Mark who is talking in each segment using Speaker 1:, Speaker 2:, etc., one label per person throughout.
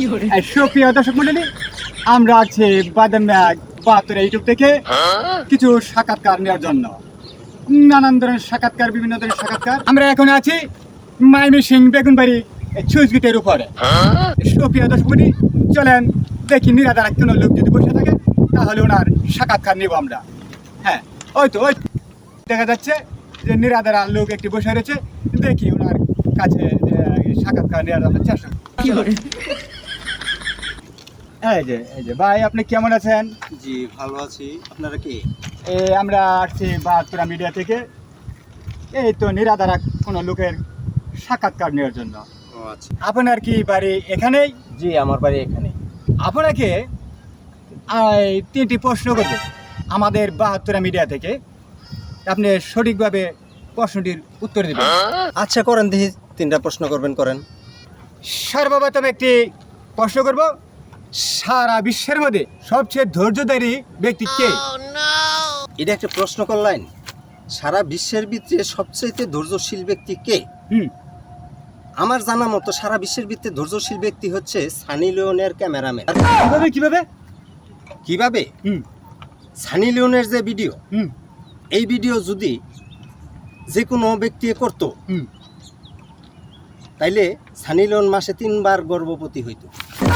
Speaker 1: সুপ্রিয় দর্শক মন্ডলী, আমরা আছি বাদাম ব্যাগ 72 ইউটিউব থেকে কিছু সাক্ষাৎকার নেওয়ার জন্য। নানান ধরনের সাক্ষাৎকার, বিভিন্ন ধরনের সাক্ষাৎকার। আমরা এখন আছি ময়মনসিং বেগুনবাড়ি সুইচ গেটের উপরে। সুপ্রিয় দর্শক মন্ডলী, চলেন দেখি নিরাদারা কোনো লোক যদি বসে থাকে তাহলে ওনার সাক্ষাৎকার নেব আমরা। হ্যাঁ, ওই তো ওই দেখা যাচ্ছে যে নিরাদারা লোক একটি বসে রয়েছে। দেখি ওনার কাছে সাক্ষাৎকার নেওয়ার আমরা চেষ্টা করি। এই যে ভাই, আপনি কেমন আছেন?
Speaker 2: জি ভালো আছি। আপনারা কি?
Speaker 1: আমরা আসছি 72 মিডিয়া থেকে। এই তো নিরাদারা কোনো লোকের সাক্ষাৎকার নেওয়ার জন্য।
Speaker 2: ও আচ্ছা।
Speaker 1: আপনার কি বাড়ি এখানেই?
Speaker 2: জি আমার বাড়ি এখানে।
Speaker 1: আপনাকে তিনটি প্রশ্ন করব আমাদের 72 মিডিয়া থেকে। আপনি সঠিকভাবে প্রশ্নটির উত্তর দেবেন।
Speaker 2: আচ্ছা করেন, দেখি তিনটা প্রশ্ন করবেন, করেন।
Speaker 1: সর্বপ্রথম একটি প্রশ্ন করব, সারা বিশ্বের মধ্যে সবচেয়ে ধৈর্যধারী ব্যক্তি কে?
Speaker 2: এটা একটা প্রশ্ন করলেন। সারা বিশ্বের ভিতরে সবচেয়ে ধৈর্যশীল ব্যক্তি কে? আমার জানা মতো সারা বিশ্বের ভিতরে ধৈর্যশীল ব্যক্তি হচ্ছে সানি লিওনের ক্যামেরাম্যান।
Speaker 1: কিভাবে?
Speaker 2: কিভাবে? সানি লিওনের যে ভিডিও, এই ভিডিও যদি যে কোনো ব্যক্তি করতো তাইলে সানি লিওন মাসে 3 বার গর্ভবতী হইতো।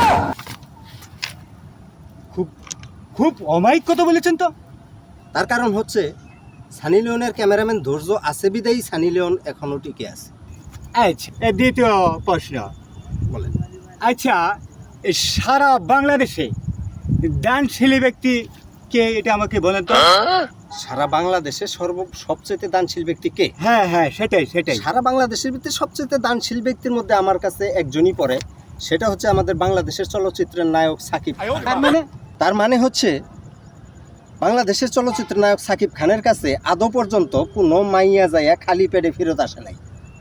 Speaker 1: খুব অমায়িক কথা বলেছেন তো।
Speaker 2: তার কারণ হচ্ছে সানি লিওনের ক্যামেরাম্যান ধৈর্য আছে বিদায়ী সানি লিওন এখনো টিকে আছে।
Speaker 1: আচ্ছা, দ্বিতীয় প্রশ্ন
Speaker 2: বলেন।
Speaker 1: আচ্ছা, সারা বাংলাদেশে দানশীলী ব্যক্তি কে, এটা আমাকে বলেন তো।
Speaker 2: সারা বাংলাদেশে সবচেয়ে দানশীল ব্যক্তি কে?
Speaker 1: হ্যাঁ, সেটাই।
Speaker 2: সারা বাংলাদেশের ভিতরে সবচেয়ে দানশীল ব্যক্তির মধ্যে আমার কাছে একজনই পড়ে, সেটা হচ্ছে আমাদের বাংলাদেশের চলচ্চিত্রের নায়ক সাকিব। তার মানে হচ্ছে বাংলাদেশের চলচ্চিত্রের নায়ক সাকিব খানের কাছে আদৌ পর্যন্ত কোনো মাইয়া যাইয়া খালি পেটে ফেরত আসে নাই।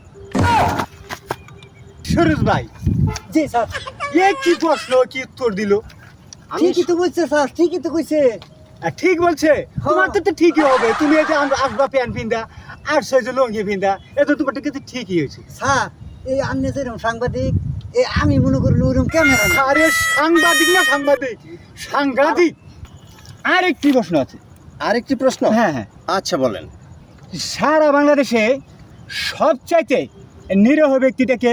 Speaker 1: সুরজ ভাই,
Speaker 3: জি স্যার।
Speaker 1: কি প্রশ্ন, কি উত্তর দিল?
Speaker 3: ঠিকই তো বলছে স্যার, ঠিকই তো কইছে।
Speaker 1: ঠিক বলছে। তোমার তো ঠিকই হবে। তুমি এই যে আসবা প্যান্ট পিন্দা আর যে লঙ্গি পিন্দা, এটা তোমার কিন্তু ঠিকই হয়েছে।
Speaker 3: স্যার, এই আন্নে যেরকম সাংবাদিক, আমি মনে করি ওরকম ক্যামেরা।
Speaker 1: আরে সাংবাদিক না, সাংঘাতিক। আরেকটি প্রশ্ন আছে।
Speaker 2: আরেকটি প্রশ্ন?
Speaker 1: হ্যাঁ।
Speaker 2: আচ্ছা বলেন।
Speaker 1: সারা বাংলাদেশে সবচাইতে নিরীহ ব্যক্তিটাকে?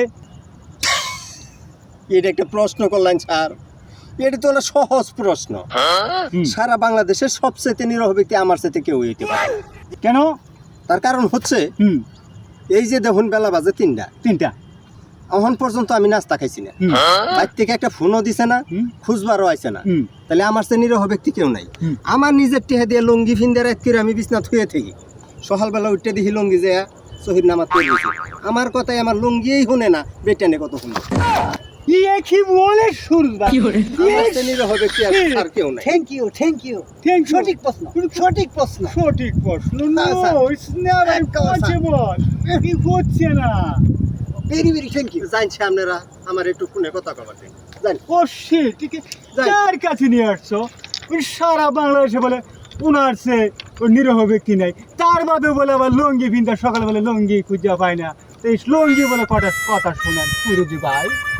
Speaker 2: এটা একটা প্রশ্ন করলেন স্যার, এটা তো হলো সহজ প্রশ্ন। সারা বাংলাদেশের সবচেয়ে নিরীহ ব্যক্তি আমার সাথে কেউ হইতে পারে।
Speaker 1: কেন?
Speaker 2: তার কারণ হচ্ছে এই যে দেখুন বেলা বাজে 3টা, এখন পর্যন্ত আমি নাস্তা খাইছি না। বাইর থেকে একটা ফোনও দিছে না, খুঁজবারও আইছে না। তাহলে আমার সে নিরীহ ব্যক্তি কেউ নাই। আমার নিজের টেহা দিয়ে লুঙ্গি ফিন্দে রাত করে আমি বিছনা থুয়ে থাকি, সকালবেলা উঠতে দেখি লুঙ্গি যে শহীদ নামাজ পড়ে গেছে। আমার কথাই আমার লুঙ্গিই শুনে না, বেটানে কত শুনে।
Speaker 1: কি বলে সুরজ ভাই?
Speaker 2: আমার সে নিরীহ ব্যক্তি আর কেউ নাই।
Speaker 3: Thank you. সঠিক প্রশ্ন।
Speaker 1: সঠিক প্রশ্ন।
Speaker 2: না, স্যার।
Speaker 1: কি হচ্ছে না?
Speaker 3: Very thank you.
Speaker 2: জানছি আপনারা আমার একটু ফোনে কথা কবার জান।
Speaker 1: যার কাছে নিয়ে আসছো সারা বাংলাদেশে বলে ওনার সে নিরীহ ব্যক্তি নাই, তার বাদে বলে আবার লঙ্গি ভিন্দা সকালবেলা লঙ্গি খুঁজে পায় না। এই লঙ্গি বলে কথা শোনেন সুরজ ভাই।